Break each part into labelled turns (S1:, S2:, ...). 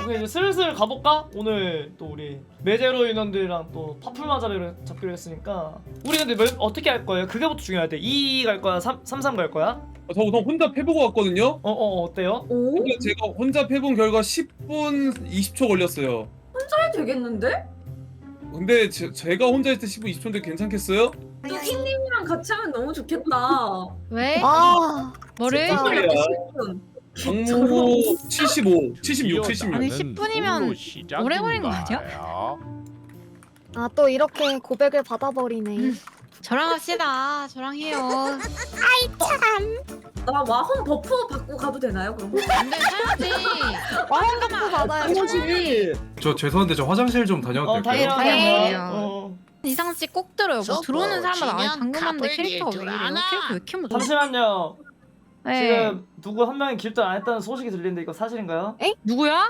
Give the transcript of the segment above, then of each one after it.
S1: 오케이 이제 슬슬 가볼까? 오늘 또 우리 메제로 인원들이랑 또 파풀마자를 잡기로 했으니까 우리 근데 어떻게 할 거예요? 그게부터 중요할 때 2 갈 거야? 3 갈 거야?
S2: 저 우선 혼자 패보고 왔거든요.
S1: 어때요?
S3: 오?
S2: 근데 제가 혼자 패본 결과 10분 20초 걸렸어요.
S3: 잘 되겠는데?
S2: 근데 제가 혼자 했을 때 10분 20초인데 괜찮겠어요?
S3: 뚜기님이랑 같이 하면 너무 좋겠다.
S4: 왜?
S5: 아,
S4: 뭐를?
S5: 진짜.
S2: 말이야.
S3: 10분.
S2: 방무 75, 76, 76.
S4: 아니 10분이면 오래 걸린 거 아니야?
S5: 아, 또 이렇게 고백을 받아버리네.
S4: 저랑 합시다. 저랑 해요.
S3: 나 와혼 버프 받고 가도 되나요? 그럼?
S4: 안돼 사야지.
S5: 와인값도 받아야지.
S6: 저 죄송한데 저 화장실 좀 다녀도 될까요?
S4: 다행이에요. 이상 씨 꼭 들어요. 뭐 들어오는 사람마다 아니 방금 봤는데 캐릭터가 왜 이래요? 캐릭터 왜 이렇게 못해?
S1: 잠시만요.
S4: 네.
S1: 지금 누구 한 명이 길도 안 했다는 소식이 들리는데 이거 사실인가요?
S4: 누구야?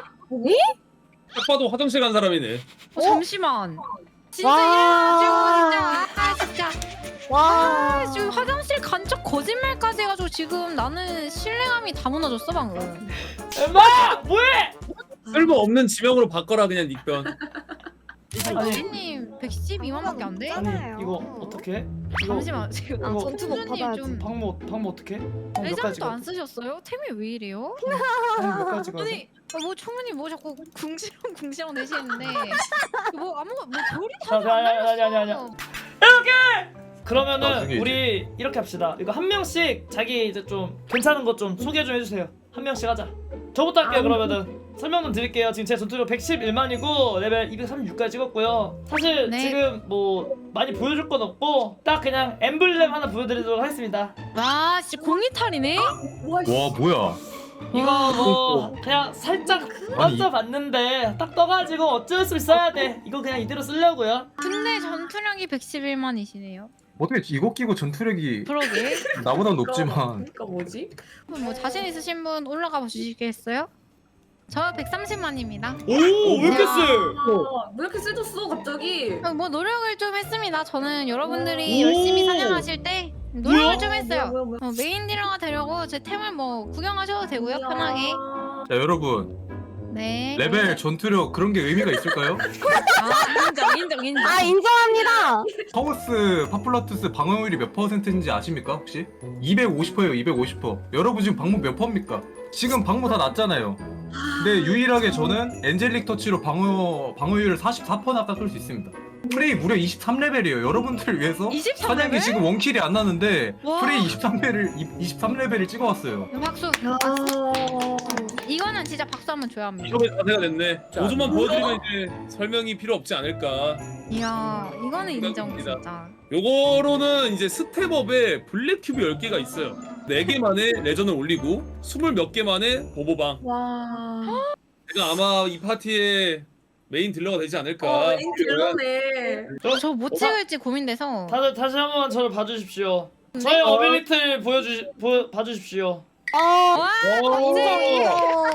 S2: 딱 봐도 화장실 간 사람이네.
S4: 잠시만. 진짜
S5: 와.
S4: 이래가지고 진짜.
S5: 와.
S4: 지금 화장실 간 척 거짓말까지 해가지고 지금 나는 신뢰감이 다 무너졌어 방금.
S1: 엠마! 뭐해!
S2: 쓸모없는 지명으로 바꿔라 그냥 닉변.
S1: 아니.
S4: 이진님 112만밖에 안 돼?
S1: 아니
S5: 괜찮아요.
S1: 이거 어떻게? 이거
S4: 잠시만 지금
S5: 아,
S1: 이거
S5: 전투복
S4: 선생님
S5: 받아야지.
S4: 좀
S1: 방모 어떻게? 몇 가지
S4: 레전드도 안 쓰셨어요? 템이 왜 이래요?
S1: 몇 가지 가?
S4: 아니 뭐 초문이 뭐 자꾸 궁시렁 내시는데 뭐 아무거 뭐 별이
S1: 자,
S4: 다안
S1: 아니.
S4: 날렸어.
S1: 그러면은
S6: 나중에
S1: 우리 이렇게 합시다. 이거 한 명씩 자기 이제 좀 괜찮은 것 좀 소개 좀 해주세요. 한 명씩 하자. 저부터 할게요. 그러면은 설명 좀 드릴게요. 지금 제 전투력 111만이고 레벨 236까지 찍었고요. 사실
S4: 네.
S1: 지금 뭐 많이 보여줄 건 없고 딱 그냥 엠블렘 하나 보여드리도록 하겠습니다.
S4: 와 진짜 공이탈이네?
S3: 와,
S6: 와 뭐야?
S1: 이거 뭐 그냥 살짝 얹어봤는데 딱 떠가지고 어쩔 수 있어야 돼. 이거 그냥 이대로 쓰려고요.
S4: 근데 전투력이 111만이시네요.
S6: 어떻게 이거 끼고 전투력이
S4: 그러게.
S6: 나보다 높지만
S3: 그러니까 뭐지?
S4: 그럼 뭐 자신 있으신 분 올라가 보시겠어요? 저 130만입니다.
S1: 오, 왜 이렇게 세?
S3: 아, 왜 이렇게 세졌어 갑자기?
S4: 뭐 노력을 좀 했습니다. 저는 여러분들이
S1: 오.
S4: 열심히 사냥하실 때 노력을
S1: 뭐야?
S4: 좀 했어요.
S3: 뭐야?
S4: 메인 딜러가 되려고 제 템을 뭐 구경하셔도 되고요, 편하게.
S6: 자 여러분
S4: 네.
S6: 레벨 전투력 그런 게 의미가 있을까요?
S4: 아 인정.
S5: 아, 인정합니다.
S6: 하우스 파플라투스 방어율이 몇 퍼센트인지 아십니까 혹시? 250%예요 250%. 여러분 지금 방무 몇 퍼입니까? 지금 방무 다 났잖아요. 근데 유일하게 저는 엔젤릭 터치로 방어율을 44%나 깎을 수 있습니다. 프레이 무려 23레벨이에요. 여러분들을 위해서
S4: 23레벨?
S6: 사냥이 지금 원킬이 안 나는데
S4: 와.
S6: 프레이 23레벨을 찍어왔어요.
S4: 박수.
S3: 야.
S4: 이거는 진짜 박수 한번 줘야 합니다.
S2: 이렇게 자세가 됐네. 5초만 보여드리면 이제 설명이 필요 없지 않을까.
S4: 이야, 이거는 인정
S2: 생각합니다.
S4: 진짜.
S2: 요거로는 이제 스텝업에 블랙 큐브 10개가 있어요. 4개만에 레전을 올리고 20몇 개만에 보보방.
S3: 와.
S2: 제가 아마 이 파티에 메인 딜러가 되지 않을까.
S3: 인트로네.
S4: 저 뭐 찍을지 고민돼서.
S1: 다들 다시 한번 저를 봐주십시오. 저의 어빌리티를 봐주십시오.
S4: 와,
S5: 인정이에요.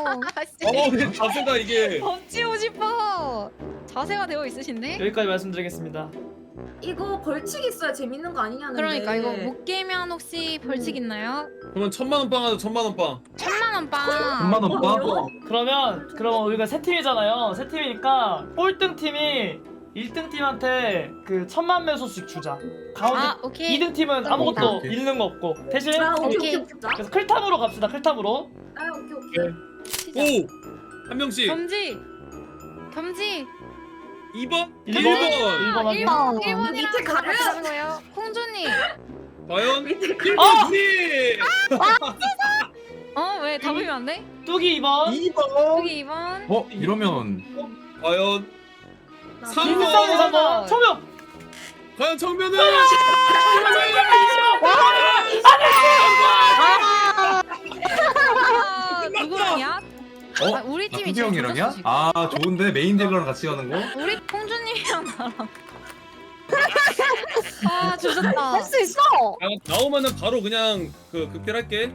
S2: 근데 자세가 이게
S4: 엎치고 싶어. 자세가 되어 있으신데?
S1: 여기까지 말씀드리겠습니다.
S3: 이거 벌칙 있어야 재밌는 거 아니냐는데.
S4: 그러니까 이거 못 깨면 혹시 벌칙 있나요?
S2: 그러면 1000만원 빵 하자. 1000만원 빵.
S4: 1000만원 빵.
S6: 3만원 빠?
S1: 그럼 우리가 세 팀이잖아요. 세 팀이니까 꼴등 팀이 1등 팀한테 그 1000만 매소씩 주자. 가운데
S4: 아, 오케이.
S1: 2등 팀은 아무것도
S6: 오케이.
S1: 잃는 거 없고 대신
S3: 아, 오케이
S4: 오케이.
S3: 오케이 오케이.
S1: 그래서 클탑으로 갑시다. 클탑으로.
S3: 아, 오케이 오케이.
S4: 시작.
S2: 오! 한 명씩.
S4: 겸지.
S2: 2번?
S1: 1번
S2: 1번.
S1: 1번 확인.
S4: 1번이랑
S3: 밑에 가면?
S4: 같이 거예요. 콩주님.
S2: 과연?
S3: 밑에
S2: 1번
S4: 왜 답이면 안 돼?
S1: 뚜기 2번.
S2: 2번.
S4: 여기 2번.
S6: 어? 이러면
S2: 과연?
S1: 김상우
S2: 3번.
S1: 3번. 청명.
S2: 과연 정면은?
S4: 누구랑이야?
S6: 어?
S4: 아, 우리 팀이
S6: 투기
S4: 제일
S6: 형이랑이야?
S4: 좋았어, 지금.
S6: 아 좋은데 메인 딜러랑 같이 가는 거?
S4: 우리 콩주님이랑 나랑. 아 조졌다.
S5: 할 수 있어.
S2: 나오면은 바로 그냥 그 극딜할게.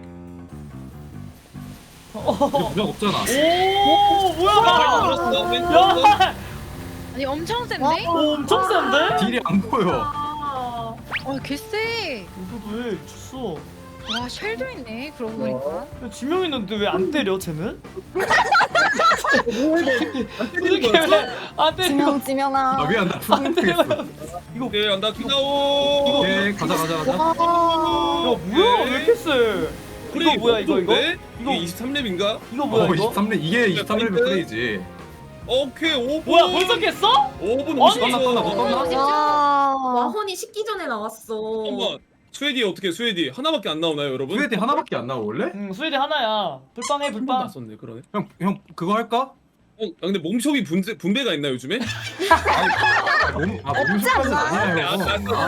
S6: 근데 부작 없잖아.
S1: 오 뭐야?
S2: 걸었어. 왼쪽.
S1: 야,
S4: 아니 엄청 센데?
S1: 오, 엄청 센데?
S6: 딜이 안 보여.
S3: 아.
S4: 개쎄.
S1: 이거 왜 쳤어?
S4: 와 쉘도 있네. 그러고 보니까.
S1: 지명 있는데 왜 안 때려 쟤는? 솔직히 왜안 때리고
S5: 지명아.
S6: 미안 나 투공했어.
S2: 오케이 안다 기다오.
S6: 오케이 가자.
S1: 야 뭐야 왜 이렇게 세 이거 뭐야 이거
S2: 이거 23렙인가?
S1: 이거 뭐야 이거
S6: 23렙 이게 23렙 플레이지.
S2: 오케이 5분.
S1: 뭐야 벌써 깼어?
S2: 5분
S1: 아니,
S2: 50초.
S5: 와.
S3: 와헌이 식기 전에 나왔어.
S2: 잠깐만. 스웨디 어떻게 스웨디 하나밖에 안 나오나요 여러분?
S6: 스웨디 하나밖에 안 나와 원래?
S1: 응 스웨디 하나야 불빵해
S2: 한번
S1: 불빵
S2: 났었네 그러네.
S6: 형 그거 할까?
S2: 근데 몸숍이 분배가 있나 요즘에?
S6: 몸식까지는 아니야 형.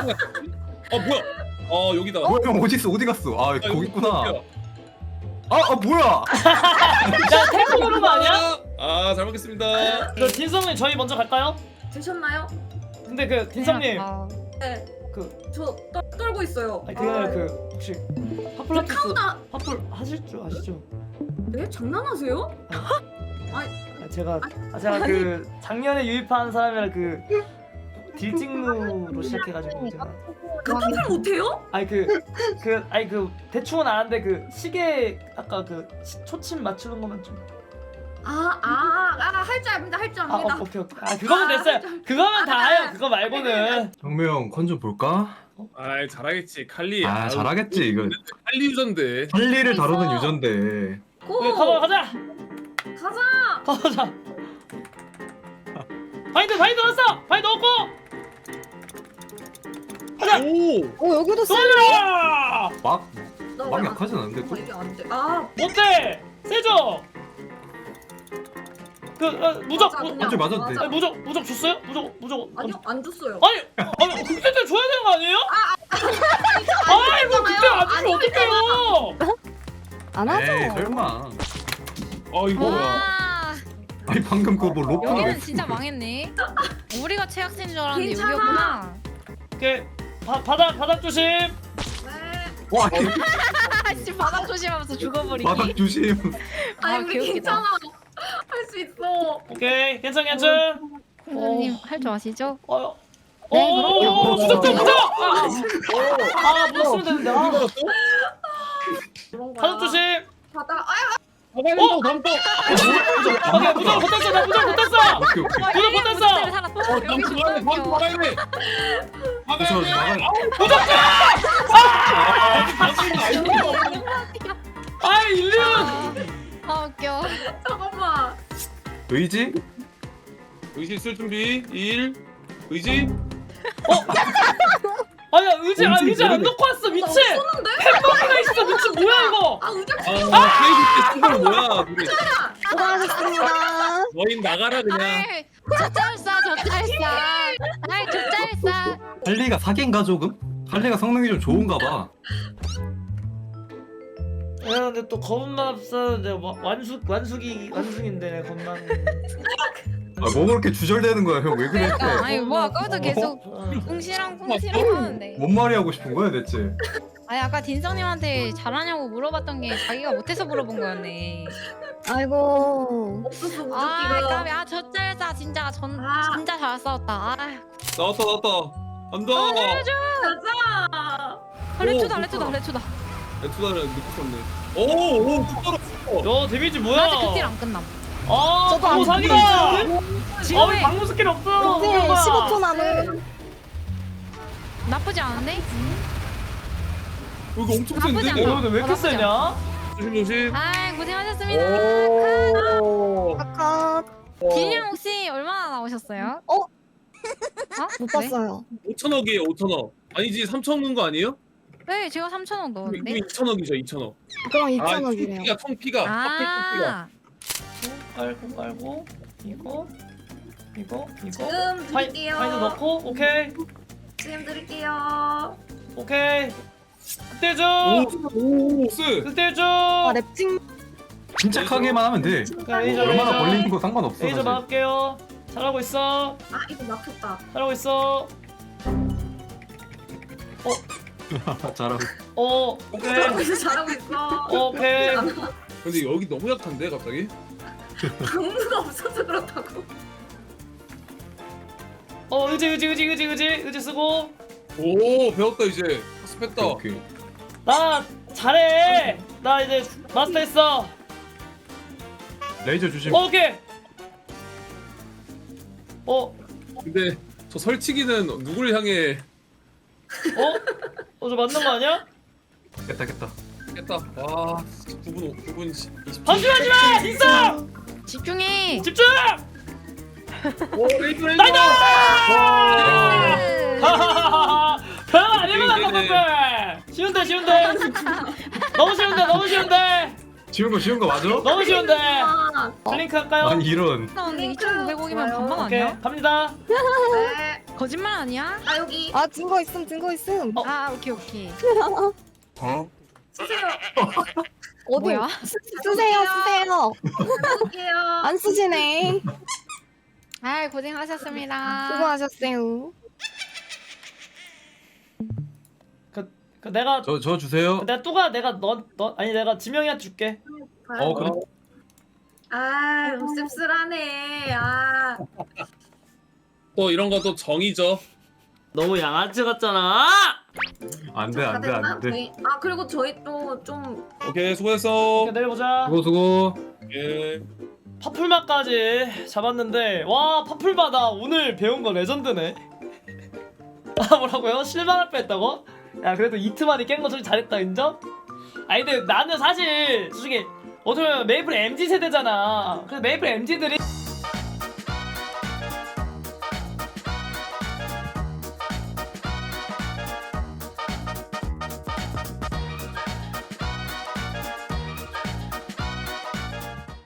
S2: 뭐야? 여기다.
S6: 뭐야 형 어디 있어 어디 갔어? 아
S2: 이거
S6: 거기 있구나.
S2: 어디야?
S6: 뭐야?
S1: 야 템포 누르는 거 아니야?
S2: 잘 먹겠습니다.
S1: 저 딘성님 저희 먼저 갈까요?
S3: 드셨나요?
S1: 근데 그 딘성님
S3: 네.
S1: 그
S3: 저 떨고 있어요.
S1: 아니 그게 아니라 그 혹시 파플라티스
S3: 카우나.
S1: 파플 하실 줄 아시죠?
S3: 네? 장난하세요?
S1: 제가
S3: 아니.
S1: 그 작년에 유입한 사람이라 그 딜찍루로 시작해가지고 제가
S3: 카타팔 못해요?
S1: 아니 그 대충은 아는데 그 시계 아까 그 초침 맞추는 것만 좀
S3: 할 줄 압니다. 할 줄 압니다.
S1: 오케이 그거면 됐어요 그거면 다 해요 그거 말고는
S6: 정명 컨 좀 볼까?
S2: 잘하겠지 칼리.
S6: 잘하겠지 이거.
S2: 칼리 유전데.
S6: 할리를 다루는 유전데.
S3: 고!
S1: 네, 가자
S3: 가자!
S1: 바인드 넣었어 바인드 넣었고 가자
S2: 오.
S5: 여기도
S1: 쏠라
S6: 막
S3: 나
S6: 막
S3: 왜
S6: 약하진 않은데 또.
S3: 이게 안 돼.
S1: 어때 세죠 무적
S3: 맞아, 그냥
S6: 맞죠, 맞았는데.
S3: 맞아.
S1: 무적 줬어요 무적
S3: 아니요, 안 줬어요.
S1: 아니 그때 때 줘야 되는 거 아니에요? 아이고 그때 안 주면 어떡해요
S5: 안 하죠.
S6: 에이 설마.
S2: 이거 뭐야?
S4: 와
S6: 아니 방금 그거 뭐 로프가 왜
S4: 여기는 진짜 망했네. 우리가 최악인 줄 알았는데
S3: 괜찮아.
S4: 여기였구나.
S1: 오케이 바닥 조심
S3: 네.
S6: 와
S4: 아씨 바닥 조심하면서 죽어버리기.
S6: 바닥 조심.
S3: 아니,
S4: 아,
S3: 우리
S4: 귀엽겠다.
S3: 괜찮아. 할 수 있어.
S1: 오케이 괜찮
S4: 선생님 할 줄 아시죠?
S1: 네,
S6: 그럼요.
S1: 무적 무적 쓰면 되는데
S2: 어디 걸었어?
S3: 그런 거야.
S1: 바닥 조심
S3: 바닥.
S2: 가방에서 담고.
S1: 오케이 무적 붙었어 나 무적 붙었어
S6: 오케이 오케이.
S1: 무적 붙었어
S4: 살았어. 여기
S2: 담고 가야 돼. 담고
S4: 죽었어.
S2: 가야 돼.
S6: 저 나가.
S1: 아이 일리언
S4: 아 웃겨.
S3: 잠깐만.
S6: 의지?
S2: 의지 쓸 준비. 1. 의지.
S1: 아니야 의지
S6: 엄청
S1: 안
S6: 모르네.
S1: 넣고 왔어 미친
S3: 쏘는데?
S1: 햄버거가 있어 미친 뭐야 이거
S3: 의자
S2: 케이크 때쓴거 뭐야? 둘이.
S5: 수고하셨습니다.
S2: 너희 나가라 그냥.
S4: 아이 저 짤싸. 아이 저 짤싸.
S6: 할리가 사기인가 조금? 할리가 성능이 좀 좋은가 봐.
S1: 야 근데 또 검은 맛 쓰는데 완숙인데 겁나
S6: 뭐 그렇게 주절되는 거야 형 왜 그래?
S4: 아니 뭐 아까부터 계속 꿍시랑 하는데.
S6: 뭔 말이 하고 싶은 거야 대체?
S4: 아니 아까 딘성님한테 잘하냐고 물어봤던 게 자기가 못해서 물어본 거였네.
S5: 아이고.
S3: 없었어
S4: 아
S3: 무적기가.
S4: 까비 저 짤싸 진짜 진짜 잘 싸웠다. 아
S2: 나왔다. 안다.
S3: 가자.
S4: 레투다.
S2: 투다를 늦고 썼네. 오, 투다로.
S1: 야 데미지
S4: 아직
S1: 뭐야
S4: 그딜 안 끝남.
S5: 저도 안
S1: 사기다
S4: 지금
S1: 우리 방문 스킬 없어
S5: 이제 15초 남은.
S4: 나쁘지 않은데?
S2: 여기 엄청
S4: 나쁘지
S2: 센데.
S4: 않아.
S1: 근데 왜 이렇게 세냐?
S2: 조심.
S4: 아 고생하셨습니다.
S2: 오.
S5: 아까
S4: 딜량 혹시 얼마나 나오셨어요?
S5: 어?
S4: 네?
S5: 못 봤어요.
S2: 5천억이에요, 5천억. 아니지, 3천억 넣은 거 아니에요?
S4: 네 제가 3,000원 넣었는데.
S2: 2천억이죠, 2천억.
S5: 그럼 2,000원이래요.
S2: 총피가.
S4: 아
S1: 깔고 이거
S3: 지금 드릴게요.
S1: 파이드 넣고 오케이
S3: 지금 드릴게요.
S1: 오케이 그때 줘
S2: 오, 쎄.
S1: 그때 줘
S5: 아, 랩팅.
S6: 침착하게만 하면 돼. 얼마나 걸리는 거 상관없어
S1: 레이저
S6: 사실.
S1: 막을게요 잘하고 있어
S3: 이거 막혔다.
S1: 잘하고 있어
S6: 잘하고.
S1: 오케이
S3: 잘하고 있어.
S1: 오케이
S2: 근데 여기 너무 약한데, 갑자기?
S3: 강무가 없어서 그렇다고.
S1: 의지 쓰고
S2: 오, 배웠다, 이제. 학습했다.
S6: 오케이.
S1: 나 잘해 나 이제 마스터했어
S6: 레이저 조심.
S1: 오케이
S2: 근데 저 설치기는 누굴 향해
S1: 저 맞는 거 아니야?
S6: 깼다.
S2: 깼다. 와, 9분 20초.
S1: 방심하지 마! 있어!
S4: 집중해.
S1: 집중!
S2: 오, 레이드.
S1: 나이스!
S4: 네.
S1: 하하하하. 별거 아니구나, 깜빡들! 쉬운데, 쉬운데! 너무 쉬운데!
S6: 쉬운 거 맞아?
S1: 너무 쉬운데!
S3: 아,
S1: 블링크 할까요?
S6: 아니 이런.
S4: 근데 2,900억이면 반반
S1: 오케이,
S4: 아니야?
S1: 갑니다.
S3: 네.
S4: 거짓말 아니야?
S3: 아 여기
S5: 아 증거 있음.
S4: 아 오케이.
S3: 쓰세요.
S5: 어디?
S4: 뭐야?
S5: 쓰세요.
S3: 쓸게요.
S5: 안 쓰시네.
S4: 아 고생하셨습니다.
S5: 수고하셨어요.
S1: 내가
S6: 저 주세요.
S1: 내가 뚜가 내가 아니 내가 지명이한테 줄게.
S6: 그래.
S3: 아 씁쓸하네. 아.
S2: 또 이런 것도 정이죠.
S1: 너무 양아치 같잖아.
S6: 안돼.
S3: 저희- 아 그리고 저희 또 좀
S2: 오케이, 수고했어.
S1: 내려보자.
S6: 수고.
S2: 예.
S1: 파풀마까지 잡았는데 와 파풀마다 오늘 배운 거 레전드네. 아 뭐라고요? 실망할 뻔했다고? 야 그래도 이트만이 깬 거 좀 잘했다 인정? 아니 근데 나는 사실 솔직히 어떻게 보면 메이플 MZ 세대잖아. 그래서 메이플 MZ들이